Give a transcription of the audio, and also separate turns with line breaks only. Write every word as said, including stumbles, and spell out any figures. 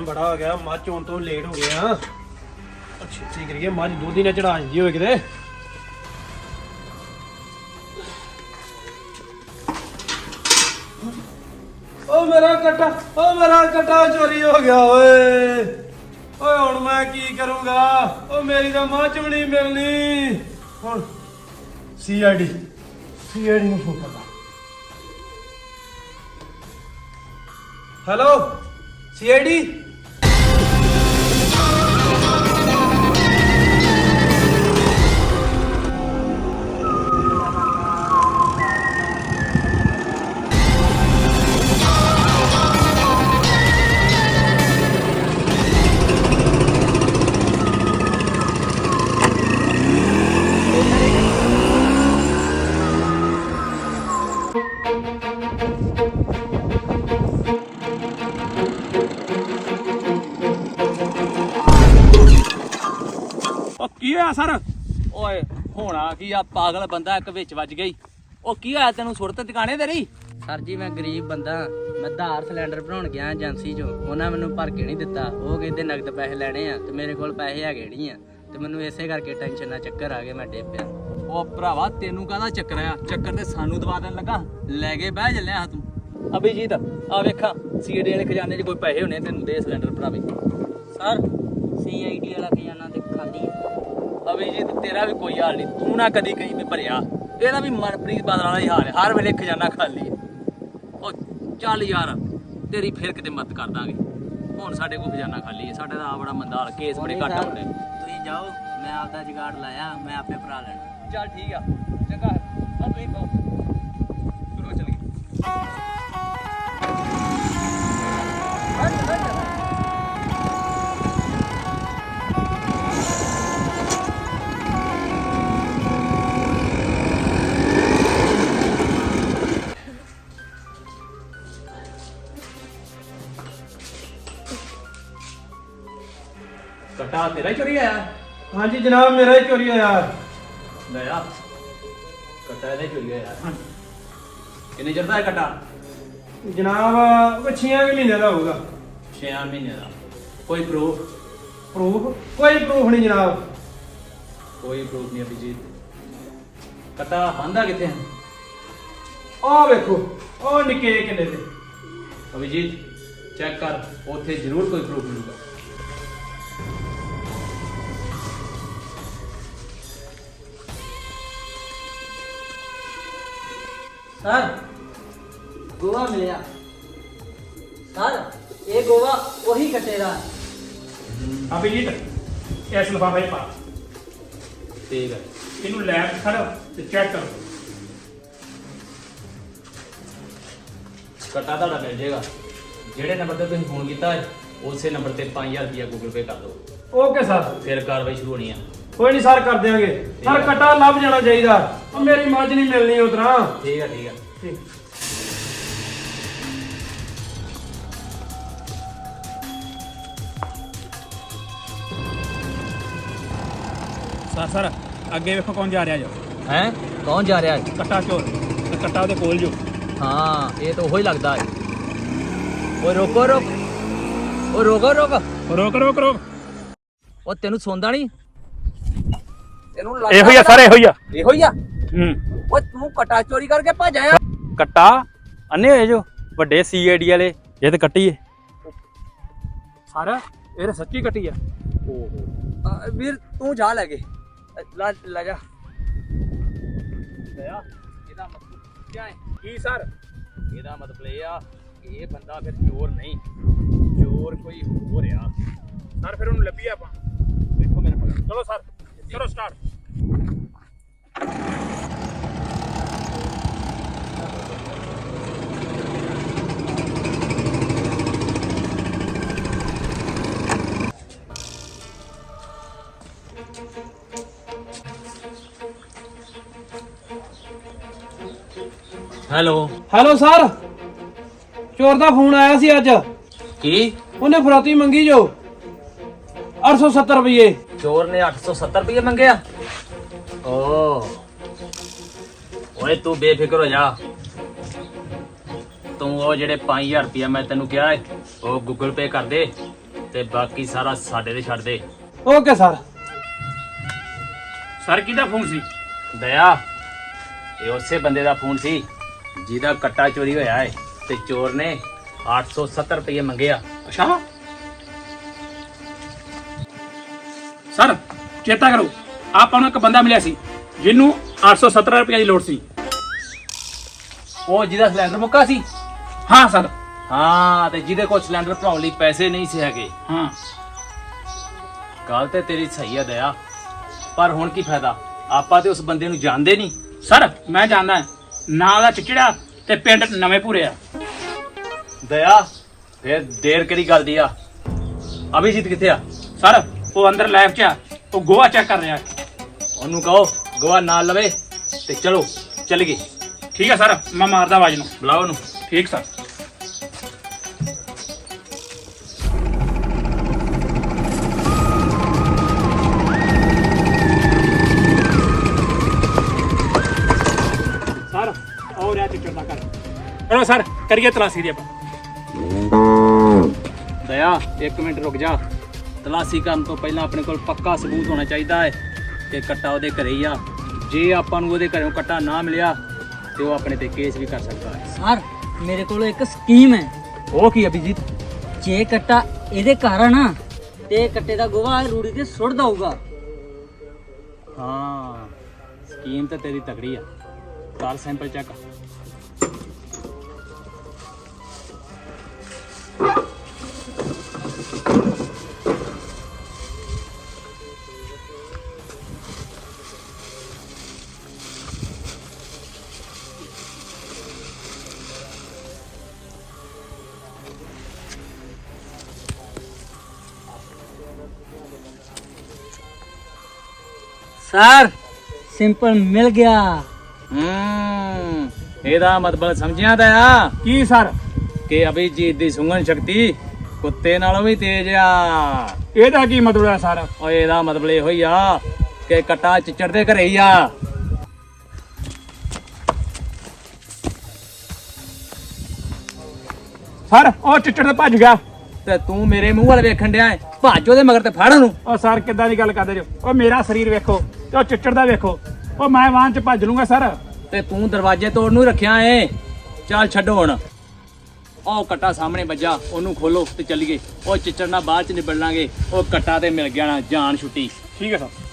Time ਬੜਾ ਹੋ ਗਿਆ, ਮੱਝ ਚੋਣ ਤੋਂ ਲੇਟ ਹੋ ਗਏ ਆ। ਛੇਤੀ ਕਰੀਏ, ਮੱਝ ਦੁੱਧ ਹੀ ਨਾ ਚੜਾ ਜਾਂਦੀ ਹੋਵੇ ਕਿਤੇ। ਓ ਮੇਰਾ ਕੱਟਾ, ਓ ਮੇਰਾ ਕੱਟਾ ਚੋਰੀ ਹੋ ਗਿਆ ਓਏ। ਓਏ ਹੁਣ ਮੈਂ ਕੀ ਕਰੂੰਗਾ? ਓ ਮੇਰੀ ਤਾਂ ਮੱਝ ਵੀ ਨਹੀਂ ਮਿਲਣੀ ਹੁਣ। C I D C I D ਨੂੰ ਫੋਨ ਕਰਦਾ। Hello C I D. ਕੀ ਹੋਇਆ ਸਰ?
ਓਏ ਹੋਣਾ ਕੀ ਆ, ਪਾਗਲ ਬੰਦਾ ਇੱਕ ਵਿੱਚ ਵੱਜ ਗਈ। ਉਹ ਕੀ ਹੋਇਆ ਤੈਨੂੰ? ਸੁਰਤ ਟਿਕਾਣੇ ਤੇਰੀ?
ਸਰ ਜੀ ਮੈਂ ਗਰੀਬ ਬੰਦਾ, ਮੈਂ ਧਾਰ ਸਿਲੰਡਰ ਭਰਾਉਣ ਗਿਆ ਏਜੰਸੀ ਚੋਂ। ਉਹਨਾਂ ਮੈਨੂੰ ਭਰ ਕੇ ਨਹੀਂ ਦਿੱਤਾ। ਉਹ ਕਹਿੰਦੇ ਨਗਦ ਪੈਸੇ ਲੈਣੇ ਆ ਤੇ ਮੇਰੇ ਕੋਲ ਪੈਸੇ ਹੈਗੇ ਨਹੀਂ ਆ, ਤੇ ਮੈਨੂੰ ਇਸੇ ਕਰਕੇ ਟੈਨਸ਼ਨ ਨਾਲ ਚੱਕਰ ਆ ਗਏ, ਮੈਂ ਡਿੱਗ ਪਿਆ।
ਉਹ ਭਰਾਵਾ ਤੈਨੂੰ ਕਾਹਦਾ ਚੱਕਰ ਆ? ਚੱਕਰ ਤੇ ਸਾਨੂੰ ਦਵਾ ਦੇਣ ਲੱਗਾ। ਲੈ ਕੇ ਬਹਿ ਚੱਲਿਆ ਤੂੰ। ਅਭਿਜੀਤ ਆ ਵੇਖਾਂ, ਸੀਡੀ ਵਾਲੇ ਖਜ਼ਾਨੇ 'ਚ ਕੋਈ ਪੈਸੇ ਹੋਣੇ, ਤੈਨੂੰ ਦੇ ਸਿਲੰਡਰ ਭਰਾਵੇ।
ਸਰ ਸੀ ਆਈ ਡੀ ਵਾਲਾ ਖਜ਼ਾਨਾ ਤੇ ਖਾਲੀ ਹੈ।
ਅਭਿਜੀਤ ਤੇਰਾ ਵੀ ਕੋਈ ਹਾਲ ਨਹੀਂ, ਤੂੰ ਨਾ ਕਦੀ ਕਹੀਂ ਵੀ ਭਰਿਆ। ਇਹਦਾ ਵੀ ਮਨਪ੍ਰੀਤ ਬਾਦਲ ਵਾਲਾ ਹੀ ਹਾਲ ਹੈ, ਹਰ ਵੇਲੇ ਖਜ਼ਾਨਾ ਖਾਲੀ ਹੈ। ਉਹ ਚੱਲ ਯਾਰ, ਤੇਰੀ ਫਿਰ ਕਿਤੇ ਮਦਦ ਕਰ ਦਾਂਗੇ। ਹੁਣ ਸਾਡੇ ਕੋਲ ਖਜ਼ਾਨਾ ਖਾਲੀ ਹੈ, ਸਾਡੇ ਦਾ ਆ ਬੜਾ ਮੰਦਾ ਹਾਲ, ਕੇਸ ਬੜੇ ਘੱਟ ਆਉਂਦੇ।
ਤੁਸੀਂ ਜਾਓ, ਮੈਂ ਆਪਦਾ ਜੁਗਾੜ ਲਾਇਆ, ਮੈਂ ਆਪੇ ਭਰਾ ਲੈਣਾ।
ਚੱਲ ਠੀਕ ਆ, ਚੰਗਾ ਆ ਤੁਸੀਂ ਪਾਓ ਚਲੋ ਚੱਲੀਏ। ਕੱਟਾ ਤੇਰਾ ਹੀ ਚੋਰੀ ਆਇਆ?
ਹਾਂਜੀ ਜਨਾਬ, ਮੇਰਾ ਹੀ ਚੋਰੀ ਹੋਇਆ।
ਲੈ ਆ ਕੱਟਾ ਇਹਦਾ ਹੀ ਚੋਰੀ ਆਇਆ। ਕਿੰਨੇ ਚਿਰ ਦਾ ਹੈ ਕੱਟਾ?
ਜਨਾਬ ਉਹ ਛੇ ਮਹੀਨੇ ਦਾ ਹੋਊਗਾ।
ਛੇ ਮਹੀਨੇ ਦਾ। ਕੋਈ ਪ੍ਰੂਫ?
ਪ੍ਰੂਫ? ਕੋਈ ਪ੍ਰੂਫ ਨਹੀਂ ਜਨਾਬ।
ਕੋਈ ਪ੍ਰੂਫ ਨਹੀਂ ਅਭਿਜੀਤ। ਕੱਟਾ ਬੰਦਾ ਕਿੱਥੇ ਹੈ?
ਆਹ ਵੇਖੋ, ਉਹ ਨਿੱਕੇ ਕਿੰਨੇ ਤੇ।
ਅਭਿਜੀਤ ਚੈੱਕ ਕਰ, ਉੱਥੇ ਜ਼ਰੂਰ ਕੋਈ ਪ੍ਰੂਫ ਮਿਲੂਗਾ।
ਸਰ ਗੋਵਾ ਮਿਲਿਆ। ਸਰ ਇਹ ਗੋਵਾ ਉਹੀ ਕੱਟੇ ਦਾ।
ਅਭਿਜੀਤ ਇਸ ਲਿਫਾਫੇ 'ਚ ਪਾ।
ਠੀਕ ਹੈ,
ਇਹਨੂੰ ਲੈਬ 'ਚ ਖੜੋ ਤੇ ਚੈੱਕ ਕਰੋ।
ਕੱਟਾ ਤੁਹਾਡਾ ਮਿਲ ਜਾਏਗਾ। ਜਿਹੜੇ ਨੰਬਰ ਤੇ ਤੁਸੀਂ ਫੋਨ ਕੀਤਾ ਹੈ ਉਸੇ ਨੰਬਰ ਤੇ ਪੰਜ ਹਜ਼ਾਰ ਰੁਪਇਆ ਗੂਗਲ ਪੇ ਕਰ ਦਿਓ।
Okay sir.
ਫਿਰ ਕਾਰਵਾਈ ਸ਼ੁਰੂ ਹੋਣੀ ਆ।
ਕੋਈ ਨਹੀਂ ਸਰ, ਕਰ ਦਿਆਂਗੇ ਸਰ। ਕੱਟਾ ਲੱਭ ਜਾਣਾ ਚਾਹੀਦਾ, ਉਹ ਮੇਰੀ ਮੱਝ ਨਹੀਂ ਮਿਲਣੀ ਉਤਰਾ।
ਠੀਕ ਹੈ ਠੀਕ ਹੈ।
ਠੀਕ।
ਸਰ ਸਰ ਅੱਗੇ ਵੇਖੋ ਕੌਣ ਜਾ ਰਿਹਾ ਜੋ।
ਹੈ ਕੌਣ ਜਾ ਰਿਹਾ ਹੈ?
ਕੱਟਾ ਚੋਰ ਤੇ ਕੱਟਾ ਉਹਦੇ ਕੋਲ ਜੋ।
ਹਾਂ ਇਹ ਤਾਂ ਉਹੀ ਲੱਗਦਾ ਹੈ। ਓਏ ਰੋਕੋ ਰੋਕ, ਓ ਰੋਕੋ ਰੋਕ,
ਰੋਕ ਰੋਕ ਰੋਕ।
ਉਹ ਤੈਨੂੰ ਸੌਂਦਾ ਨਹੀਂ? ਤੈਨੂੰ
ਇਹੋ ਹੀ ਆ ਸਰ, ਇਹੋ ਹੀ ਆ।
ਇਹੋ ਹੀ ਆ।
ਹੂੰ।
ਓਏ ਤੂੰ ਕਟਾ ਚੋਰੀ ਕਰਕੇ ਭੱਜ ਆਇਆ?
ਕੱਟਾ ਅੰਨੇ ਹੋਏ ਜੋ ਵੱਡੇ ਸੀ ਆਈ ਡੀ ਵਾਲੇ, ਇਹ ਤੇ ਕੱਟੀ ਏ ਸਰ। ਇਹ ਤਾਂ ਸੱਚੀ ਕੱਟੀ ਆ।
ਓਹੋ ਵੀਰ ਤੂੰ ਜਾ ਲੈ ਕੇ ਲੈ ਲੈ ਜਾ। ਲਿਆ ਇਹਦਾ ਮਤਲਬ ਕੀ ਹੈ?
ਕੀ ਸਰ?
ਇਹਦਾ ਮਤਲਬ ਇਹ ਆ ਕਿ ਇਹ ਬੰਦਾ ਫਿਰ ਚੋਰ ਨਹੀਂ, ਚੋਰ ਕੋਈ ਹੋਰ ਆ।
ਸਰ ਫਿਰ ਉਹਨੂੰ ਲੱਭੀਏ ਆਪਾਂ।
ਵੇਖੋ ਮੇਰੇ ਕੋਲ।
ਚਲੋ ਸਰ ਚਲੋ ਸਟਾਰਟ।
ਹੈਲੋ
ਹੈਲੋ ਸਰ, ਚੋਰ ਦਾ ਫੋਨ ਆਇਆ ਸੀ ਅੱਜ।
ਕੀ?
ਉਹਨੇ ਫਰੋਤੀ ਮੰਗੀ ਜੋ ਅੱਠ ਸੌ ਸੱਤਰ ਰੁਪਏ।
ਚੋਰ ਨੇ ਅੱਠ ਸੌ ਸੱਤਰ ਰੁਪਏ ਮੰਗਿਆ? ਓ ਓਏ ਤੂੰ ਬੇਫਿਕਰ ਹੋ ਜਾ। ਤੂੰ ਉਹ ਜਿਹੜੇ ਪੰਜ ਹਜ਼ਾਰ ਰੁਪਇਆ ਮੈਂ ਤੈਨੂੰ ਕਿਹਾ ਹੈ ਉਹ ਗੂਗਲ ਪੇ ਕਰ ਦੇ ਤੇ ਬਾਕੀ ਸਾਰਾ ਸਾਡੇ ਤੇ ਛੱਡ ਦੇ।
Okay sir.
ਸਰ ਕਿਹਦਾ ਫੋਨ ਸੀ?
ਦਇਆ, ਇਹ ਉਸੇ ਬੰਦੇ ਦਾ ਫੋਨ ਸੀ ਜਿਹਦਾ ਕੱਟਾ ਚੋਰੀ ਹੋਇਆ ਹੈ ਤੇ ਚੋਰ ਨੇ ਅੱਠ ਸੌ ਸੱਤਰ ਰੁਪਏ ਮੰਗੇ ਆ।
ਅੱਛਾ ਸਰ, ਚੇਤਾ ਕਰੋ ਆਪਾਂ ਨੂੰ ਇੱਕ ਬੰਦਾ ਮਿਲਿਆ ਸੀ ਜਿਹਨੂੰ ਅੱਠ ਸੌ ਸੱਤਰ ਰੁਪਏ ਦੀ ਲੋੜ ਸੀ।
ਉਹ ਜਿਹਦਾ ਸਿਲੰਡਰ ਮੁੱਕਾ ਸੀ?
ਹਾਂ ਸਰ।
ਹਾਂ, ਤੇ ਜਿਹਦੇ ਕੋਲ ਸਿਲੰਡਰ ਭਰਾਉਣ ਲਈ ਪੈਸੇ ਨਹੀਂ ਸੀ ਹੈਗੇ।
ਹਾਂ
ਗੱਲ ਤੇ ਤੇਰੀ ਸਹੀ ਆ ਦਇਆ, ਪਰ ਹੁਣ ਕੀ ਫਾਇਦਾ, ਆਪਾਂ ਤੇ ਉਸ ਬੰਦੇ ਨੂੰ ਜਾਣਦੇ ਨਹੀਂ।
ਸਰ ਮੈਂ ਜਾਣਦਾ, ਨਾਂ ਦਾ ਚਿਚੜਾ ਤੇ ਪਿੰਡ ਨਵੇਂ ਪੂਰੇ ਆ।
ਦਇਆ, ਫੇਰ ਦੇਰ ਕਿਹੜੀ ਗੱਲ ਦੀ ਆ? ਅਭਿਜੀਤ ਕਿੱਥੇ ਆ?
ਸਰ ਉਹ ਅੰਦਰ ਲੈਬ 'ਚ ਆ, ਉਹ ਗੋਆ ਚੈੱਕ ਕਰ ਰਿਹਾ।
ਉਹਨੂੰ ਕਹੋ ਗਵਾ ਨਾਲ ਲਵੇ ਤੇ ਚਲੋ ਚੱਲ ਗਏ।
ਠੀਕ ਹੈ ਸਰ, ਮੈਂ ਮਾਰਦਾ ਆਵਾਜ਼ ਨੂੰ।
ਬੁਲਾਓ ਉਹਨੂੰ।
ਠੀਕ ਸਰ। ਸਰ ਆਓ ਰਿਆ ਚਿੱਟੜ ਦਾ ਕਰ ਕਰੋ ਸਰ, ਕਰੀਏ ਤਲਾਸ਼ੀ ਦੀ ਆਪਾਂ।
ਦਇਆ, ਇੱਕ ਮਿੰਟ ਰੁਕ ਜਾ। ਤਲਾਸ਼ੀ ਕਰਨ ਤੋਂ ਪਹਿਲਾਂ ਆਪਣੇ ਕੋਲ ਪੱਕਾ ਸਬੂਤ ਹੋਣਾ ਚਾਹੀਦਾ ਹੈ ਕਿ ਕੱਟਾ ਉਹਦੇ ਘਰੇ ਹੀ ਆ। ਜੇ ਆਪਾਂ ਨੂੰ ਉਹਦੇ ਘਰੋਂ ਕੱਟਾ ਨਾ ਮਿਲਿਆ ਤੇ ਉਹ ਆਪਣੇ ਤੇ ਕੇਸ ਵੀ ਕਰ ਸਕਦਾ ਹੈ।
ਸਰ ਮੇਰੇ ਕੋਲ ਇੱਕ ਸਕੀਮ ਹੈ।
ਉਹ ਕੀ ਅਭਿਜੀਤ?
ਜੇ ਕੱਟਾ ਇਹਦੇ ਘਰ ਆ ਨਾ ਤੇ ਕੱਟੇ ਦਾ ਗੋਹਾ ਰੂੜੀ ਤੇ ਸੁੱਟ ਦਊਗਾ।
ਹਾਂ, ਸਕੀਮ ਤਾਂ ਤੇਰੀ ਤਕੜੀ ਆ। ਕਰ ਸੈਂਪਲ ਚੈੱਕ।
ਸਰ ਸਿੰਪਲ ਮਿਲ ਗਿਆ।
ਹੂੰ, ਇਹਦਾ ਮਤਲਬ ਸਮਝਿਆ ਦਇਆ?
ਕੀ ਸਰ?
ਕਿ ਅਭਿਜੀਤ ਦੀ ਸੁੰਘਣ ਸ਼ਕਤੀ ਕੁੱਤੇ ਨਾਲੋਂ ਵੀ ਤੇਜ਼ ਆ।
ਇਹਦਾ ਕੀ ਮਤਲਬ ਹੈ ਸਰ?
ਓਏ ਇਹਦਾ ਮਤਲਬ ਇਹੋ ਹੀ ਆ ਕਿ ਕੱਟਾ ਚਿੱਚੜ ਦੇ ਘਰੇ ਹੀ ਆ।
ਸਰ ਉਹ ਚਿੱਟੜ ਤੇ ਭੱਜ ਗਿਆ।
ਤੇ ਤੂੰ ਮੇਰੇ ਮੂੰਹ ਵੱਲ ਵੇਖਣ ਡਿਆ ਏ, ਭੱਜ ਉਹਦੇ ਮਗਰ ਤੇ ਫੜ ਉਹਨੂੰ।
ਉਹ ਸਰ ਕਿੱਦਾਂ ਦੀ ਗੱਲ ਕਰਦੇ ਜੋ? ਉਹ ਮੇਰਾ ਸਰੀਰ ਵੇਖੋ ਤੇ ਉਹ ਚਿੱਟੜ ਦਾ ਵੇਖੋ। ਉਹ ਮੈਂ ਵਾਹਨ 'ਚ ਭੱਜ ਲੂੰਗਾ ਸਰ।
ਤੇ ਤੂੰ ਦਰਵਾਜ਼ੇ ਤੋੜਨ ਨੂੰ ਰੱਖਿਆ ਏ। ਚੱਲ ਛੱਡੋ ਹੁਣ। ਉਹ ਕੱਟਾ ਸਾਹਮਣੇ ਵੱਜਾ, ਉਹਨੂੰ ਖੋਲੋ ਤੇ ਚੱਲੀਏ। ਉਹ ਚਿੱਚੜ ਨਾਲ ਬਾਅਦ ਚ ਨਿਬੜ ਲਾਂਗੇ। ਉਹ ਕੱਟਾ ਤੇ ਮਿਲ ਗਿਆ ਨਾ, ਜਾਨ ਛੁੱਟੀ।
ਠੀਕ ਹੈ ਸਰ।